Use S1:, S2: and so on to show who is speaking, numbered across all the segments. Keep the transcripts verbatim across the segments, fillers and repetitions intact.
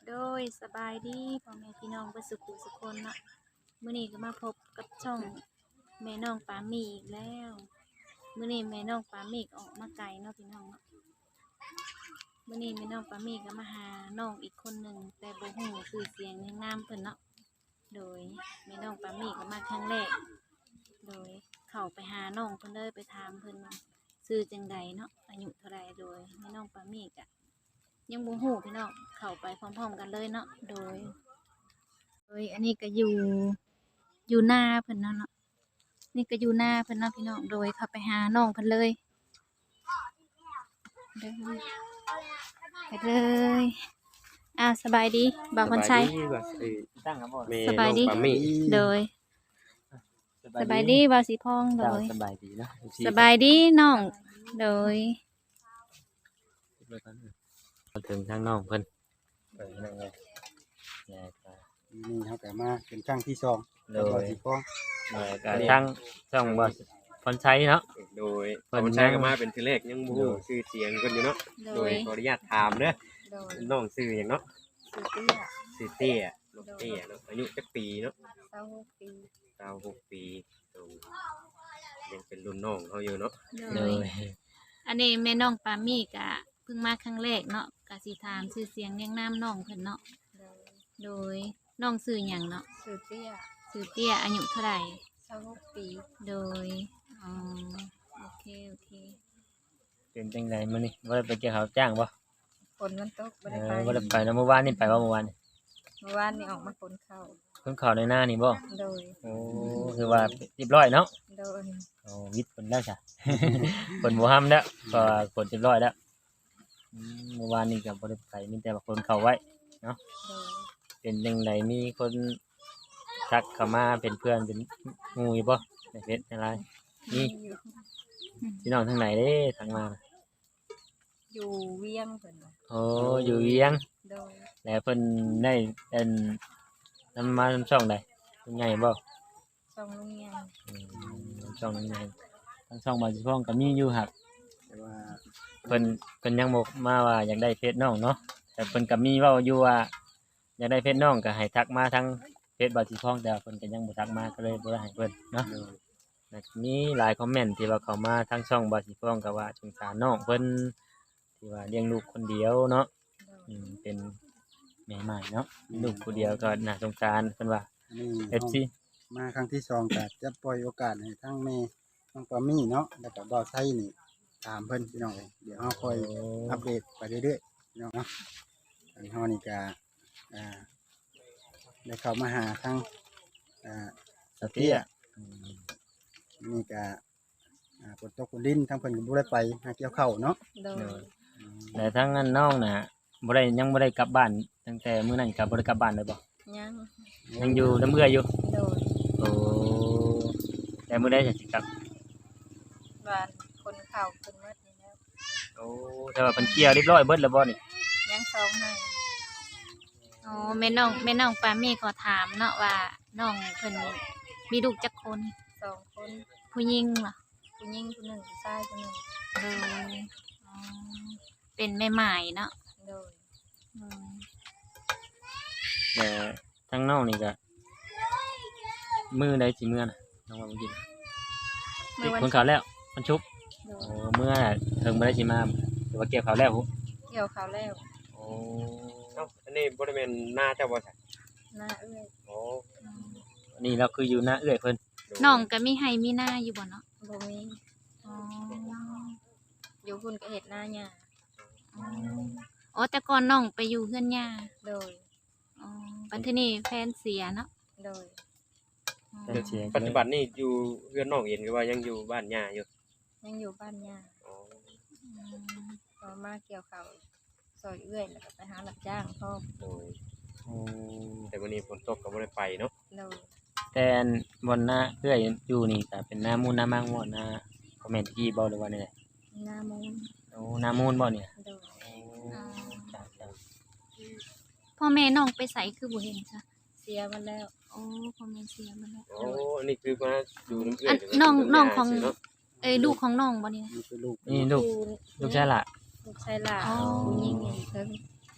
S1: โดยสบายดีพ่อแม่พี่น้องเบ่สุขุสุขคนเนาะมื้อนี้ก็มาพบกับช่องแม่น้องปาหมีอีกแล้วมื้อนี้แม่น้องปาหมีก็ออกมาไกลเนาะพี่น้องเนาะมื้อนี้แม่น้องปาหมีก็มาหาน้องอีกคนหนึ่งแต่บ่ฮู้ชื่อเสียงเรียงนามเพิ่นเนาะโดยแม่น้องปาหมีก็มาครั้งแรกโดยเข้าไปหาน้องเพิ่นเลยไปถามเพิ่นว่าชื่อจังใดเนาะอายุเท่าไรโดยแม่น้องปาหมีก็ยังบ่ฮู้พี่น้องเข้าไปพร้อมๆกันเลยเนาะโดย โดยอันนี้ก็อยู่อยู่หน้าเพิ่นเนาะเนาะนี่ก็อยู่หน้าเพิ่นเนาะพี่น้องโดยเข้าไปหาน้องเพิ่นเลยเด้อไปเลยอ้าวสบายดีบ่าวคนชัย
S2: ตั้งครับพ่อ
S3: แม่
S1: สบายดี
S3: น้องปามี่
S1: โดยสบายดีบ่าวสีพองโด
S2: เจ้าย สบายดีเนาะ
S1: สบายดีน้องโดย
S2: มาถึงทางน้องเพิ่นไปนั่งเลยยายก็
S3: นี่เขาแต่มาเป็นครั้งที่สอง
S2: โด
S3: แล้วก็
S2: ย
S3: สิฟ้อง
S2: ยายก็ทั้งช่องบ่พรชัยเนาะ
S3: โดย
S2: เพิ่น
S3: เขาใช้กันมาเป็นทีแรกยังบ่ฮู้
S2: โดย
S3: ชื่อเสียงเพิ่นอยู่เนาะ
S1: โด
S3: โดย
S1: ย
S3: ขออนุญาตถามเด้อ
S1: โดย
S3: น้องชื่อหยังเนาะ
S1: สุดเตี้ย
S3: ชื่อเตี้ยน้องเตี้ยเนาะอายุจักปีเนาะ
S1: เศร้าหกปี
S3: เก้าหกปีโดยยังเป็นรุ่นน้องเขาอยู่เนาะ
S1: โด
S2: โด
S1: ย
S2: ย
S1: อันนี้แม่น้องปามี่ก็เพิ่งมาครั้งแรกเนาะก็สิถามชื่อเสียงเรียงนามน้องเพิ่นเนาะโดยน้องชื่อหยังเนาะ
S4: สุดเตี้ย
S1: ชื่อเตี้ยอายุเท่าไหร่
S4: เศร้าหกปี
S1: โดยอ๋อโอเคโอเค
S2: เป็นจังไดมื้อนี้บ่ได้ไปเกี่ยวข้าวจ้างบ่
S4: ฝนมันตกไม่
S2: เอ
S4: ได้
S2: อ
S4: ไป
S2: บ่ได้ไปแล้วเมื่อวานนี่ไปว่าเมื่อวานนี่
S4: เมื่อวานนี่ออกมาฝนเข้า
S2: เพิ่นเข้าในหน้านี่บ่
S4: โดย
S2: โอ้คือว่าเรียบร้อยเนาะ
S4: โดย
S2: โอ้วิทย์เพิ่นแล้วจ้ะ เพิ่นบ่ห้ามแล้วก็ฝนเรียบร้อยแล้วอืมเมื่อวานนี่ก็บ่ได้ไปมีแต่ว่าคนเข้าไว้
S4: โดย
S2: เป็นจังไดมีคนทักเข้ามาเป็นเพื่อนเป็นหมู่อยู่บ่ในเฟซในไลน์นี่
S4: อยู่
S2: พี่น้องทางไหนเด้ทางมาน่ะ
S4: อยู่เวียงเพิ่นน่ะ
S2: โอ้อยู่เวียง
S4: โดย
S2: แล้วเพิ่นได้เป็นนำมาช่องใดเป็นไงบ่
S4: ช่องลุงเงียง
S2: อืมช่องนั้นไงทั้งช่องบาสิพ้องก็มีอยู่ครับ
S3: แต่ว่า
S2: เพิ่นเพิ่นยังบอกมาว่าอยากได้เฟซน้องเนาะแต่เพิ่นก็มีเว้าอยู่ว่าอยากได้เฟซน้องก็ให้ทักมาทางเฟซบาสิพ้องแต่ว่าเพิ่นก็ยังบ่ทักมาก็เลยบ่ได้ให้เพิ่นเนาะ
S3: โดย
S2: แล้วก็มีหลายคอมเมนต์ที่ว่าเข้ามาทางช่องบาสิพ้องก็ว่าสงสารน้องเพิ่นที่ว่าเลี้ยงลูกคนเดียวเนาะ
S4: โดย
S2: อืมเป็นแม่ใหม่เนาะลูกผู้เดียวก็น่าสงสารเพิ่นว่า
S3: นี่
S2: เอฟ ซี
S3: มาครั้งที่สองก็จะปล่อยโอกาสให้ทั้งแม่น้องปามี่เนาะแล้วก็บ่าวไทยนี่ถามเพิ่นพี่น้องเอ้ยเดี๋ยวเฮาค่อยอัปเดตไปเรื่อยๆพี่น้องเนาะอันนี้เฮานี่ก็อ่าได้เข้ามาหาทั้งอ่าสเตีย นี่ก็อ่าฝนตกฝนดินทั้งเพิ่นก็บ่ได้ไปหาเกี่ยวข้าวเนาะ
S4: โดย
S3: อืม
S2: แต่ทั้งนั้นน้องน่ะบ่ได้ยังบ่ได้กลับบ้านตั้งแต่มื้อนั้นก็บ่ได้กลับบ้านเลยบ่
S4: ยัง
S2: ยังอยู่น้ำเอื้ออยู่
S4: โดย
S2: โอ้แต่มื้อใดจะสิกลับ
S4: บ้านคนเข้าเพิ่นหมดนี่แล้ว
S2: โอ้แต่ว่าเพิ่นเคลียร์เรียบร้อยเบิดแล้วบ่นี่
S4: ยังซองให้
S1: อ๋อแม่น้องแม่น้องปามี่ขอถามเนาะว่าน้องเพิ่นมีลูกจักคน
S4: สองคน
S1: ผู้หญิงเหรอ
S4: ผู้หญิงผู้หนึ่งผู้ชายผู้หนึ่ง
S1: โดยอ๋อเป็นแม่หมายเนาะ
S4: โดย
S1: อืม
S2: แต่ทั้งน้องนี่ก็มื้อใดสิมื้อน่ะน้องว่าบ่กิน
S1: เมื่อวัน
S2: คนข่าวแล้วมันชุบ
S4: โด
S2: โอ้
S4: ย
S2: มื้อน่ะเพิ่งบ่ได้สิมาแต่ว่าเก็บข่าวแล้วพุ
S4: เกี่ยวเขาวแล้ว
S2: โอ้
S3: เอ้าอันนี้บ่ได้แม่นหน้าเจ้าบ่ใช่
S4: หน้าเอื้อย
S3: โอ้
S1: อืม
S2: อันนี้เราคืออยู่หน้าเอื้อยเพิ่น
S1: น้องก็มีให้มีหน้าอยู่บ่เนาะ
S4: บ่มี
S1: อ๋อ
S4: อยู่พุ่นก็เฮ็ดหน้าหญ้า
S1: อ๋ออ๋อแต่ก่อนน้องไปอยู่เฮือนย่า
S4: โดย
S1: อ๋อปัจจุบันนี้แฟนเสียเนาะ
S4: โดย
S1: อ๋อ
S2: เพิ่นเสีย
S3: ปัจจุบันนี่อยู่เรือนน้องเองหรือว่ายังอยู่บ้านย่าอยู่
S4: ยังอยู่บ้านหญ้า
S3: อ๋อ
S1: อืม
S4: พอมาเกี่ยวเขาวซอยเอื้อยแล้วก็ไปหารับจ้างพ่อม
S3: โดย
S2: โอ้
S3: แต่วันนี้ฝนตกก็บ่ได้ไปเนาะ
S4: โดย
S2: แต่อันบนหน้าเอื้อยอยู่นี่ก็เป็นหน้ามูลหน้ามังบ่หน้าคอมเมนต์ที่บ่หรือว่านี่แหละ
S4: หน้ามูน
S2: โอ้หน้ามูลบ่เนี่ย
S4: โดย
S2: โอ้จ้ะจ้ะ
S1: พ่อแม่น้องไปใส่คือบ่เห็นจ้ะ
S4: เสียมาแล้ว
S1: โอ้พ่อแม่เสียมาแล้ว
S3: โอ้อันนี้คือมาอยู่น้ำเอื้อ
S1: อั
S3: ย
S1: นน้องน้องของ
S3: เนาะ
S1: เอ้ยลูกของน้องบ่เนี่ย
S3: นี่คือลูก
S2: นี่ลูก
S4: ผู้
S2: ลูกชายล่ะ
S4: ลูกชายหลาน
S1: อ๋อ
S4: ผู้หญิงนี่เพิ่ง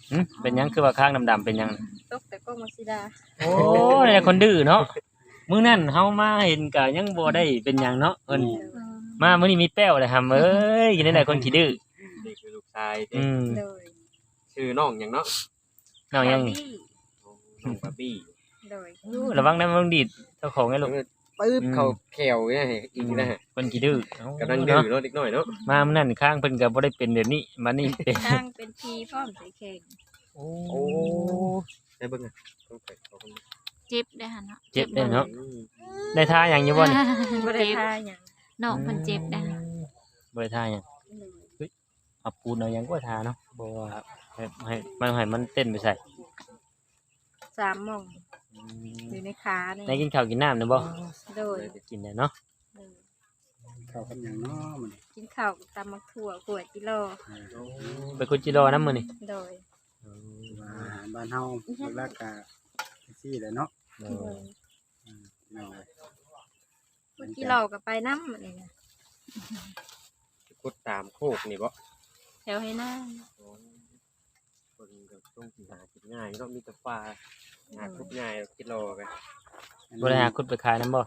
S2: หึเป็นหยังคือว่าข้างดำๆเป็นหยัง
S4: ตกแต่ก็มักซิดา
S2: โอ้ยแต่คนดื้อเนาะมื้อนั้นเฮามาเห็นก็ยังบ่ได้เป็นหยังเนาะเอิ้น
S1: อืม
S2: มามื้อนี้มีแป้วเลยครับเอ้ยกินได้หลายคนขี้ดื้อ
S5: นี่คือลูกชายที่
S2: อืม
S4: โดย
S5: ชื่อน้องหยังเนาะ
S2: น้องยัง
S4: บาร์บี้
S5: น้องบาร์บี้
S4: โดย
S2: ระวังนะมันดีดเจ้าของไอ้ลูก
S5: ปึ๊บ
S2: อืม
S5: เขาแขวเนี่ยอีกนะฮะ
S2: คนขี้ดื้อก
S5: ำลังดื้อเนาะเด็กน้อยเนาะ
S2: มามื้อนั้นข้างเพิ่นก็บ่ได้เป็นแบบนี้มานี่เป็น
S4: ตั้งเป็นพีพร้อมใส่เข่ง
S2: โอ้
S5: โอ้ได้เบิ่งอ่ะต้องไปเขาเบิ่ง
S1: เจ็บได้หั่นเนาะ
S2: เจ็บได้เนาะ
S5: อืม
S2: ได้ท่าหยังอยู่บ่นี่
S4: บ่ได้
S1: เจ็บ
S4: ทาหยัง
S1: น้องเพิ่นเจ็บได้
S2: บ่ได้ท่าหยัง
S4: โดย
S2: เอาปูนเอาหยังก็ท่าเนาะบ่ว่าให้ให้มันให้มันเต้นไปใส่
S4: สามหม่องอยู่ในขานี่
S2: ได้กินข้าวกินน้ำนะบ่
S4: โดย
S2: กินได้เนาะ
S4: โดย
S3: เข้ากันอย่างน้อมัน
S4: กินข้าวกับตำมักถั่วขวดกิโล
S2: ไปคุจิโร่นำมื้อนี่
S4: โดย
S3: ว่าอาหารบ้านเฮาหลักๆก็ซี่แหละเนาะ
S2: โอ้
S4: โดย
S3: เนาะ
S4: ขวดกิโลก็ไปน้ำนี่นะ
S5: กดตามโคกนี่บ่
S4: แถวให้หน้า
S5: คนก็ต้องหากินง่ายเนาะมีแต่ปลาหาทุกง่ายกิโลกัน
S2: บ่ได้หาคุดไปขายนำบ่
S4: บ่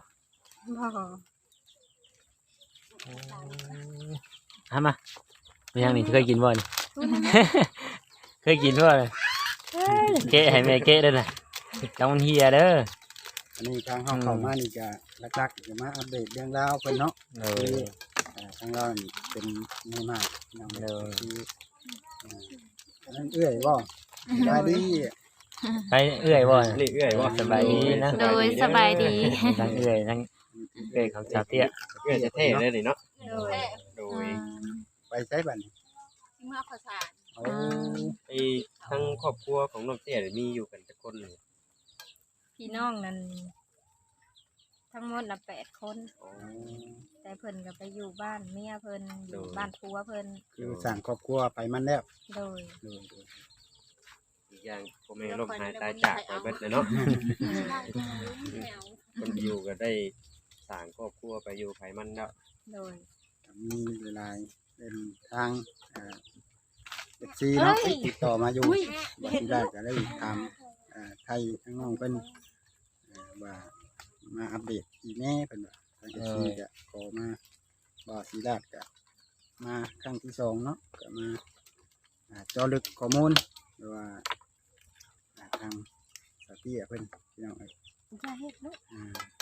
S2: หามาเป็นหยังนี่เคยกินบ่นี่ เคยกินบ่นี่เกะให้แม่เกะเด้อน่ะจังมันเฮียเด้อ
S3: อันนี้ทางเฮาเข้ามานี่ก็หลักๆจะมาอัปเดตเรื่องราวเพิ่นเนาะ
S2: เออ
S3: อ่าทางเรานี่เป็นไม่มากนำ
S2: เออ
S3: คืออ่าอันนั้นเอื้อยบ่ได้ดี
S2: ไปเอื้อยบ่
S5: นี่เอื้อยบ่
S2: สบายดีนะ
S1: โดยสบายดี
S2: ทั้งเอื้อยทั้งเอื้อยของชาวเตี้ย
S5: เอื้อยจะเท่เลยนี่เนาะ
S4: โดย
S5: โดย
S3: ไปใช้บัดนี้
S4: เมื่อภาษา
S3: โอ้
S5: ไอ้ทั้งครอบครัวของน้องเตี้ยนี่มีอยู่กันจักคนเลย
S4: พี่น้องนั้นทั้งหมดน่ะแปดคน
S5: โอ้
S4: แต่เพิ่นก็ไปอยู่บ้านเมียเพิ่นอยู่บ้านผัวเพิ่น
S3: คือสร้างครอบครัวไปมันแล้ว
S4: โดย
S3: โดยโดย
S5: อีกอย่างพ่อแม่ล้มหายตายจากไปเบิดเลยเนาะคนอยู่ก็ได้สร้างครอบครัวไปอยู่ไผมันแล้ว
S4: โดย
S3: ก็มีหลายๆเป็นทางอ่าเอฟซีเนาะติดต่อมาอยู่ว่าที่ได้ก็ได้ถามอ่าไทยทั้งน้องเพิ่นอ่าว่ามาอัปเดตอีแม่เพิ่นว่าทางเอฟซีก็ขอมาบ่าวศรีราชก็มาครั้งที่สองเนาะก็มาอ่าเจอลึกข้อมูลหรือว่าอ่าทางสเตียเพิ่นพี่น้องเอ้ย
S4: จะเฮ็ดเนาะ
S3: อ่า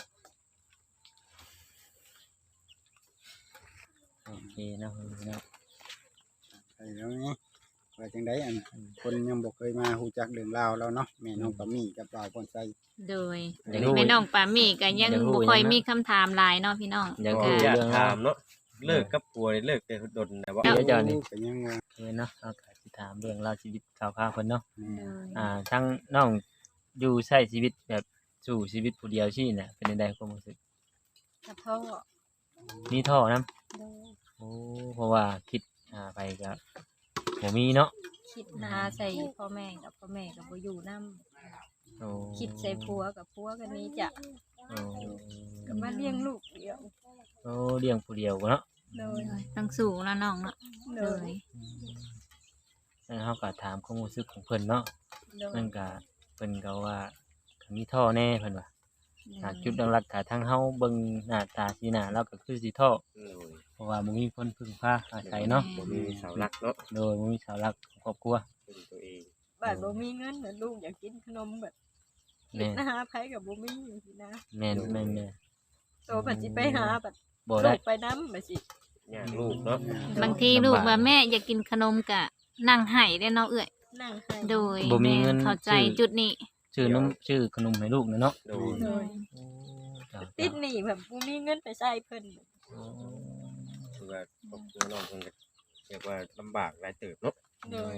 S2: โอเคเนาะเนาะ
S3: ใช่แล้วนี่ว่าจังไดอันคนยังบ่เคยมาฮู้จักเรื่องราวแล้วเนาะแม่น้องปามี่กับบ่าวพรไซ
S1: โดย
S2: อยากรู้
S1: แม่น้องปามี่ก็ยัง
S2: อยากรู้
S1: บ่ค่อย
S2: ยังนะ
S1: มีคำถามหลายเนาะพี่น้อง
S2: อยาก
S5: ก็
S2: รู้
S5: อยาก
S2: เรื่อง
S5: ถามเนาะเลิกกับผัวนี่เลิกแต่ดนแต่ว่า
S2: เดี๋ยวเจ้านี่
S3: ก็ยังว่า
S2: เออเนาะเอาก็สิถามเรื่องราวชีวิตคร่าวๆเพิ่นเนาะ
S3: แม่
S4: โดย
S2: อ่าทั้งน้องอยู่ใช้ชีวิตแบบสู่ชีวิตผู้เดียวชี่น่ะเป็นจังได๋ความรู้สึก
S4: กระท่อ
S2: มีท่อนํ
S4: โดย
S2: โอ้เพราะว่าคิดอ่าไปก็บ่มีเนาะ
S4: คิดหาใส่พ่อแม่กับพ่อแม่ก็บ่อยู่นำ
S2: โอ้
S4: คิดใส่ผัวกับผัวกันนี้จะ
S2: โอ้
S4: ก็มาเลี้ยงลูกเดียว
S2: โอ้เลี้ยงผู้เดียวเนาะ
S4: โดย
S1: ต้องสู้แล้วน้องเนาะ
S4: โด
S1: โด
S4: ย
S1: ย
S2: แล้วเฮาก็ถามความรู้สึกของเพิ่นเนาะ
S4: โดย
S2: เพิ่นก็เพิ่นก็ว่าก็มีท่อแน่เพิ่นว่าถ้าจุดหลักๆถ้าทางเฮาเบิ่งหน้าตาสีหน้าเราก็คือสิท่อ
S5: โอ้ย
S2: เพราะว่าบ่มีคนพึ่งพาอาศัยเนาะ
S5: บ่มีเสาหลักเนาะ
S2: โดยบ่มีเสาหลักของครอบครัว
S5: เป็นตัวเอง
S4: บ้านบ่มีเงินน่ะลูกอยากกินขนมแบบ
S2: แม่น
S4: นะหาไผกับบ่มีสินะ
S2: แม่นแม่นแม่น
S4: โตบัดสิไปหาบัด
S2: บ่
S4: ลู
S2: ได้
S4: กไปนำบัดสิ
S5: อยากลูกเนาะ
S1: บางทีลูกว่าแม่อยากกินขนมก็นั่งให้ได้เนาะเอ้ย
S4: นั่งให้
S1: โดย
S2: บ่มีเงิน
S1: แเข้าใจ
S2: ซื้อ
S1: จุดนี้
S2: ชื่อนมชื่อขนมให้ลูกนะเนาะ
S5: โดย
S4: โดย
S2: โอ้เจ้า
S4: ติดหนี้แบบบ่มีเงินไปใช้เพิ่น
S2: โอ้
S5: คือว่าครอบครัวน้องเพิ่นก็เรียกว่าลำบากหลายเติบเนาะ
S4: โดย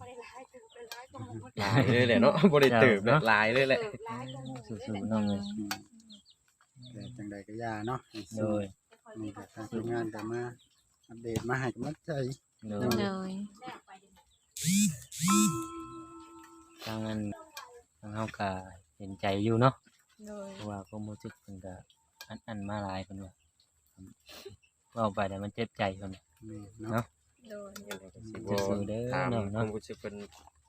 S5: หลายเลยแหละเนาะบ่ได้เติบเนาะหลายเลยแหละ
S2: สู้ๆน้องเลย
S3: อืมแต่จังใดก็อย่าเนาะให้
S2: โด
S3: สู้
S2: ย
S3: นี่ก็ทางทีมงานก็มาอัปเดตมาให้กำลังใจ
S2: โด
S1: โด
S2: ย
S1: ย
S2: ทางนั้นทางเฮาก็เห็นใจอยู่เนาะ
S4: โดย
S2: เพราะว่าความรู้สึกเพิ่นก็อันอันมาหลายเพิ่นว่าเว้าไปแล้วมันเจ็บใจเพิ่น
S3: นี่เนาะ
S2: เนาะ
S4: โดย
S5: ยังไงก็สิ
S2: สู้ๆเด้อ
S5: ถาม
S2: น้อง
S5: ค
S2: เนาะ
S5: วามรู้สึกเพิ่น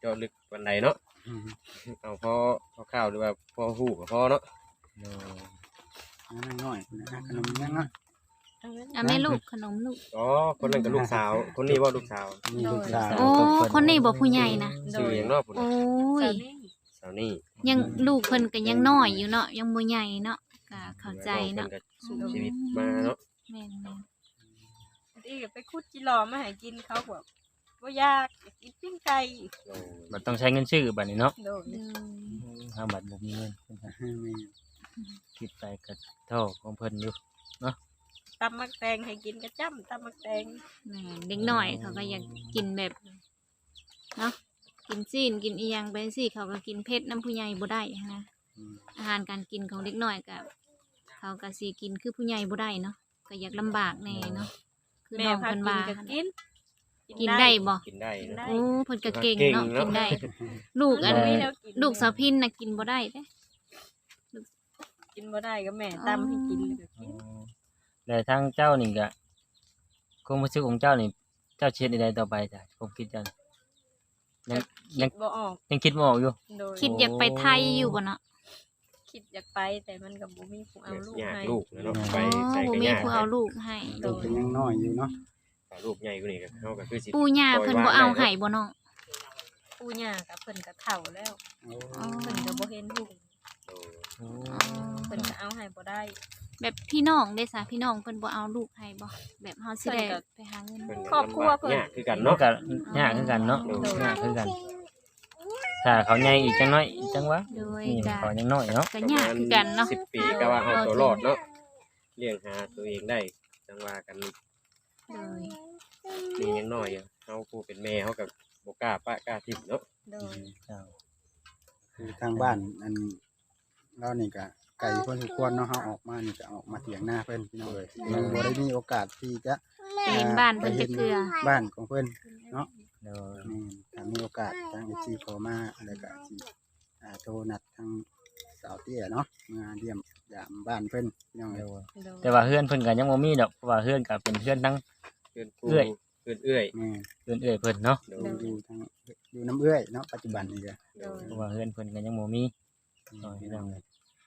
S5: เจาะลึกปานใดเนาะ
S3: อืม
S5: เอาพอพอข้าวหรือว่าพอฮู้ก็พอเนาะ
S2: โดย
S3: อันนั้นน้อยนะฮะขนมยังเนาะ
S1: อ่ะแม่ลูกขนมลูก
S5: อ๋อคนนั้นก็ลูกสาว คนนี้ว่าลูกสาว
S3: มีลูกสาว
S1: โอ้คนนี้บ่ผู้ใหญ่นะ
S5: ชื่อหยังเนาะพุ่น
S1: โอ้
S4: สา
S1: ย
S4: วนี่
S5: สาวนี่
S1: ยังลูกเพิ่นก็ยังน้อยอยู่เนาะยังบ่ใหญ่เนาะก็เข้าใจเนาะ
S5: พิ่ก็สู้ชีวิตมาเนาะ
S1: แม่น
S4: ที่ไปคุดจิหลอมาให้กินเขาบอกว่ายากอยากกินปิ้งไก่
S5: โอ้
S2: มันต้องใช้เงินซื้อบัดนี้เนาะ
S4: โดย
S1: ๆเด้อ
S2: ถ้าบัดบ่มีเงินเพิ่นก็
S3: ให้แม่
S2: คิดไปก็เท่าของเพิ่นอยู่
S4: ตำมักแตงให้กินกระจ้ำตำมักแตง
S1: แม่นเด็กน้อยเขาก็อยากกินแบบเนาะกินซีนกินอีหยังไปสิเขาก็กินเผ็ดน้ำผู้ใหญ่บ่ได้นะ
S3: อืม
S1: อาหารการกินของเด็กน้อยก็เขาก็สิกินคือผู้ใหญ่บ่ได้เนาะก็อยากลำบากแน่เนาะคือ
S4: แม่
S1: น้อง
S4: พา
S1: เพิ่น
S4: กิน
S1: ว่า
S4: ก็กิน
S1: กินได้บ่
S5: กินได้
S4: กิน
S5: เนาะ
S4: ได้
S1: โอ้เพิ่นก็เก่งเนาะ
S5: เก่งเนาะ
S1: กินได้ ลูกอัน
S4: มัมีแวกิน
S1: ลูกสาวพินน่ะกินบ่ได้เด้
S4: กินบ่ได้ก็แม่ตำให้กินแล้วก็กิน
S2: แล้วทางเจ้านี่ก็ความรู้สึกของเจ้านี่เจ้าเช็ดใดๆต่อไปจ้ะผมคิดจังยังยัง
S4: คิดบ่ออก
S2: ยังคิดบ่ออกอยู่
S4: โดย
S1: คิดอยากไปไทยอยู่บ่เนาะ
S4: คิดอยากไปแต่มันก็บ่มีผู้เอาลูก
S5: ยาก
S4: ให้
S5: ลูกเนาะ
S1: อ๋
S5: ไป
S1: อ
S5: ใส่
S1: บ่
S5: ก็
S1: มี
S5: ยาก
S1: ผู้เอาลูกให้
S3: ลูกเป็นยังน้อยอยู่เนาะ
S5: ถ้าลูกใหญ่กว่านี้ก็เฮาก็คือสิ
S1: ปู่ย่าเพิ่นบ่เอาให้บ่น้อง
S4: ปู่ย่ากับเพิ่นก็เฒ่าแล้ว
S3: โอ้
S1: อ๋อ
S4: เพิ่นก็บ่เห็นลูก
S5: โอ้
S1: อ๋อ
S4: เพิ่นก็เอาให้บ่ได้
S1: แบบพี่น้องได้ซะพี่น้องเพิ่นบ่เอาลูกให้บ่แบบเฮาสิได้
S4: เพิ่นก็
S1: ไปหาเงิน
S5: เพิ่น
S4: ครอบครัวเพิ่น
S5: ยากคือกัน
S2: เนาะ
S5: เนาะ
S2: ก็ยากคือกันเนาะ
S5: โดย
S2: ยากคือกัน ถ้าเขาใหญ่อีกจังน้อยอีกจังวะ
S1: โดย
S2: นี่
S1: ก็
S2: เขายังน้อยเนาะ
S1: ก็ยากคือกันเนาะ
S5: สิบปีก็ว่าเอาตัวรอดเนาะเลี้ยงหาตัวเองได้จังว่ากัน
S1: โดย
S5: นี่ยังน้อยอยู่เฮาผู้เป็นแม่เฮาก็บ่กล้าปะกล้าทิ่มเนาะ
S4: โดย
S2: เจ้า
S3: คือทางบ้านอันเรานี่ก็ไก่เพิ่นทุกคนเนาะเฮาออกมานี่ก็ออกมาเถียงหน้าเพิ่นพี่น้องเอ้ยยังบ่ได้มีโอกาสที่จะ
S1: ไปเห็นบ้านเพิ่นจะเกลือ
S3: บ้านของเพิ่นเนาะ
S2: โดย
S3: อืมถ้ามีโอกาสทาง เอฟ ซี ขอมาแล้วก็สิอ่าโทรนัดทางสาวเตี้ยเนาะมาเยี่ยมยามบ้านเพิ่นพี่น้อง
S2: โด
S3: เอ้ย
S2: ย
S4: โดย
S2: แต่ว่าเฮือนเพิ่นก็ยังบ่มีดอกเพราะว่าเฮือนก็เป็นเฮือนทั้ง
S5: เพื่อนผู้
S2: เอื้อย
S5: เพื่อนเอื้อย
S3: แม่
S2: เฮือนเอื้อยเพิ่นเนาะ
S5: โด
S3: อย ยู่ทางอยู่น้ำเอื้อยเนาะปัจจุบันนี่ก็
S5: โดย
S2: เพราะว่าเฮือนเพิ่นก็ยังบ่มีโดย
S3: พี่
S2: พี่
S3: น้
S2: น้
S3: อ
S2: อง ง
S3: เอ้
S2: เอ้ย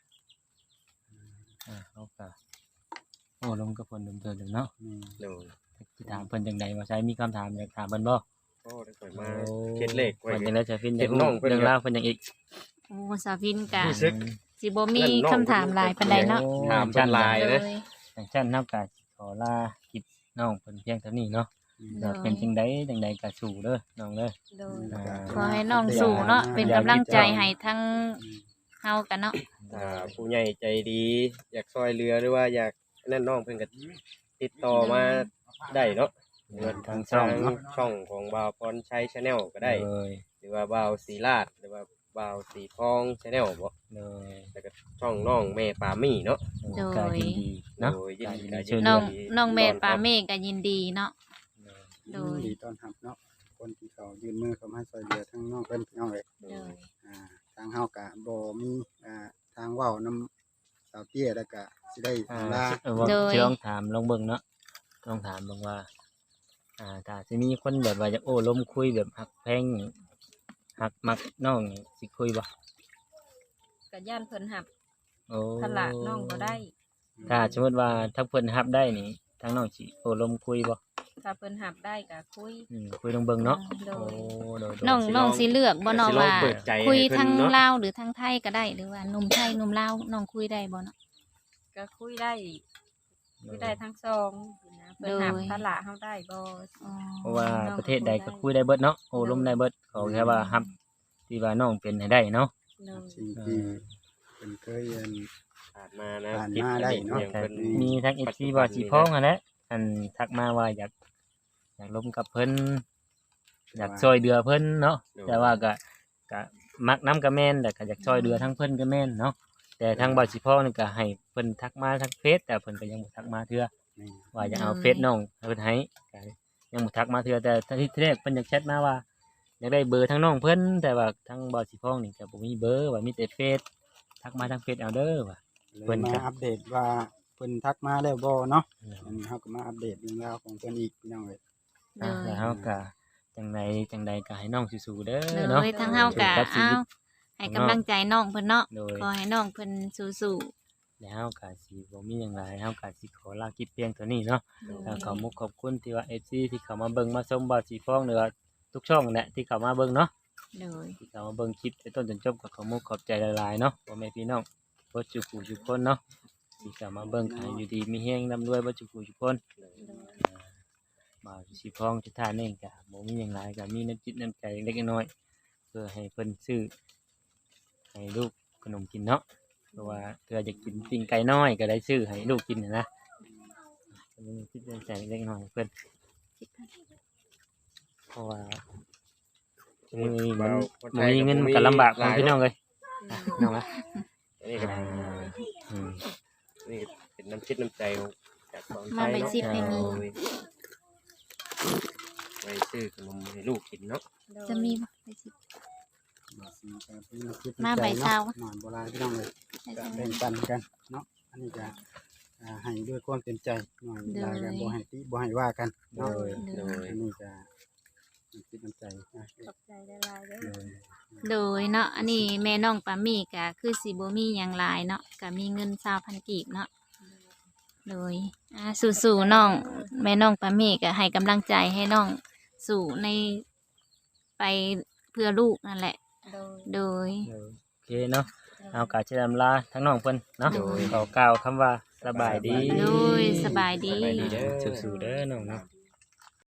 S2: อ่าเอาก็โอ้ลมกับเพิ่นเดิมเทิงเนาะ
S3: แม่
S5: โดย
S2: สิถามเพิ่นจังใดว่าใช้มีคำถามอยากถามเพิ่นบ่
S5: ก็ได้ข่อยมาเฮ็ดเลขไว้
S2: เพิ่นจังได๋จะฟิน
S5: เฮ็ดน้องเพิ่น
S2: เรื่องราวเพิ่นจังอีก
S1: โอ้สาวพินก็
S5: รู้สึก
S1: สิบ่มีคำถามหลายปานใดเนาะ
S5: ถามเป็นลาย
S1: โด
S5: นะ
S1: ย
S2: อย่างเช่นนับการขอลาคลิปน้องเพิ่นเพียงเท่านี้เนาะ
S1: โด
S2: ก็
S1: ย
S2: เป็นจังไดจังใดก็สู้เด้อน้องเด้อ
S4: โดย
S2: อ่า
S1: ขอให้น้องสู้เนาะเป็นกำลังใจให้ทั้งเฮากันเนาะ
S5: ถ้าผู้ใหญ่ใจดี อยากซอยเรือหรือว่าอยากนั่นน้องเพิ่นก็ติดต่อมาได้เนาะหรือว่า
S2: ทาง
S5: ทาง
S2: ช่องเนาะ
S5: ช่องของบ่าวพรชัย Channel ก็ได้
S2: เลย
S5: หรือว่าบ่าวศรีราชหรือว่าบ่าวสีทอง Channel บ่
S2: เลย
S5: แล้วก็ช่องน้องแม่ปามี่เนาะ
S1: โดย
S2: ก็ยินดีเนาะ
S5: โดยยินดี
S2: ก็
S5: ยินดี
S1: น้อง
S5: ดี
S1: น้องเมธ
S5: ต้
S1: ปา
S5: รับ
S1: เมฆก็ยินดีเนาะ โดย
S3: ดีต้อนรับเนาะคนที่เขายื่นมือเข้ามาช่วยเหลือทั้งน้องเพิ่นพี่น้องเอ้ย
S1: โดย
S3: อ่าทางเฮากะบ่มีอ่าทางเว้านำสาวเตี้ยแล้วก็สิได้
S2: อ่า
S3: ลา
S2: เออว่า
S1: โดย
S2: สิลองถามลองเบิ่งเนาะลองถามเบิ่งว่า อ่าถ้าสิมีคนแบบว่าจะโอ้ล้มคุยแบบหักแพงหักมักน้องนี่สิคุยบ่
S4: ก็ย่านเพิ่นหับ
S2: โอ้
S4: ทละน้องบ่ได้
S2: ถ้าสมมติว่าถ้าเพิ่นรับได้นี่ทางน้องสิโอ้ล้มคุยบ่
S4: ถ้าเพิ่นหับได้ก็คุย
S2: อืมคุยลองเบิ่งเนาะ
S4: โด
S2: โอ้
S4: ย
S2: โดยโดย
S1: น้องน้องสิเลือกบ่เนาะ
S5: สิลอง
S1: ว่า
S5: เปิดใจ
S1: คุย
S5: ให้เพิ่น
S1: ทั้ง
S5: เนาะ
S1: ลาวหรือทั้งไทยก็ได้หรือว่าหนุ่มไทยหนุ่มลาวน้องคุยได้บ่เนาะ
S4: ก็คุยได้คุยได้ทั้งสองนะเพิ่นหับ
S1: โดย
S4: ทละเฮาได้บ่
S1: อ๋อ
S2: เพราะว่าประเทศใดก็คุยได้เบิดเนาะโอ้ล้มได้เบิดขอแค่ว่ารับที่ว่าน้องเป็นให้ได้เนาะ
S4: โดย
S3: สิ่งที่เพิ่นเคยเรียน
S5: ผ่านมานะ
S3: ผ่าน
S5: คลิป
S3: มาได้
S5: อั
S3: เนาะ
S5: อย่าง
S2: แต่
S5: เพิ่น
S2: มีทั้ง เอฟ ซีว่าสิพ้องหั่นแหละอันทักมาว่าอยากอยากล้มกับเพิ่นอยากช่วยเดือเพิ่นเนาะแต่ว่าก็ก็มักน้ำก็แม่นแต่ก็อยากช่วยเดือทั้งเพิ่นก็แม่นเนาะแต่ทางบ่าวสิพ้องนี่ก็ให้เพิ่นทักมาทางเฟซแต่เพิ่นก็ยังบ่ทักมาเทื่อ
S3: นี่
S2: ว่าจะเอาเฟซน้องให้เพิ่นให้ก็ยังบ่ทักมาเทื่อแต่ที่แรกเพิ่นอยากแชทมาว่าอยากได้เบอร์ทั้งน้องเพิ่นแต่ว่าทางบ่าวสิพ้องนี่ก็บ่มีเบอร์ว่ามีแต่เฟซทักมาทางเฟซเอาเด้อว่า
S3: เลย
S2: เพิ่น
S3: มา
S2: ก็
S3: อัปเดตว่าเพิ่นทักมาแล้วบ่เนาะอันนี้เฮาก็มาอัปเดตเรื่องราวของเพิ่นอีกพี่น้องเอ้ย
S1: โด
S2: อ่ะ
S1: ย
S2: แล้วเราก็จังใดจังใดก็ให้น้องสู้ๆเด้อ
S1: โด
S2: เนาะ
S1: ยทั้งเฮาก็
S2: สู้กับชี
S1: เอา
S2: วิต
S1: ให้กำลังใจน้องเพิ่นเนาะ
S2: โดย
S1: ขอให้น้องเพิ่นสู้
S2: แล้วเฮาก็สิบ่มีหยังหลายเฮาก็สิขอลาคลิปเพียงเท่านี้เนาะ
S1: ๆ
S2: แล้วขอมุกขอบคุณที่ว่า เอฟ ซี ที่เข้ามาเบิ่งมาชมบ่าวสีฟ้องหรือว่าทุกช่องนั่นแหละที่เข้ามาเบิ่งเนาะ
S1: โดย
S2: ที่เข้ามาเบิ่งคลิปตั้งต้นจนจบก็ขอมุกขอบใจหลายๆเนาะพ่อแม่พี่น้องบ่จุกูทุกคนเนาะที่เข้ามาเบิ่งขายอยู่ดีมีแฮงร่ำรวยบ่จุกูทุกคนบ่าวสีฟ้องทุกท่านเองก็บ่มีหยังหลายก็มีน้ำจิตน้ำใจเล็กๆน้อยๆเพื่อให้เพิ่นซื้อให้ลูกขนมกินเนาะเพราะว่าเพื่อจะกินปิ้งไก่น้อยก็ได้ซื้อให้ลูกกินน่ะนะมีน้ำจิตน้ำใจเล็กๆน้อยๆเพิ่น เพราะว่ามือมันมันมีเงินมันก็ลำบากของพี่น้องเลยอ่ะน้องนะ
S5: อันนี้ก็
S2: อ่าอืม
S5: นี่เป็นน้ำชิดน้ำใจของจากสอง
S1: มา
S5: ไทย
S1: ไป
S5: เนาะ
S1: ซิปให้มี
S5: โดยไว้ซื้อขนมให้ลูกกินเนาะ
S1: จะมีบ่ไปซิป
S3: บ่สิก็เป็นน้ำคิด
S1: มา
S3: น้ำใจ
S1: ใบ
S3: เนาะ
S1: เช้า
S3: หน่อยโบราณพี่น้องเลย
S1: ให้
S3: ก็
S1: ใส่
S3: แบ่งปันกันเนาะอันนี้ก็อ่าให้ด้วยความเต็มใจหน่อย
S1: โดย
S3: ลายกันบ่ให้ติบ่ให้ว่ากัน
S5: โด
S3: เนาะ
S5: ยโดย
S3: อันนี้ก็น้ำคิดน้ำใจนะ
S4: ขอบใจละลายเด้อ
S3: โดย
S1: โดยเนาะอันนี้แม่น้องปามี่ก็คือสิบ่มีหยังหลายเนาะก็มีเงินสามพันกีบเนาะโดยอ่าสู้ๆน้องแม่น้องปามี่ก็ให้กำลังใจให้น้องสู่ในไปเพื่อลูกนั่นแหละ
S4: โดย
S1: โดย
S2: โอเคเนาะเอากาจะลำลาทั้งน้องเพิ่นเนาะ
S1: โดย
S2: ขอกล่าวคำว่าสบายดี
S1: โดยสบายดี
S5: สบายดีเด้อ
S2: สู้ๆเด้อน้องเนาะ
S5: ดี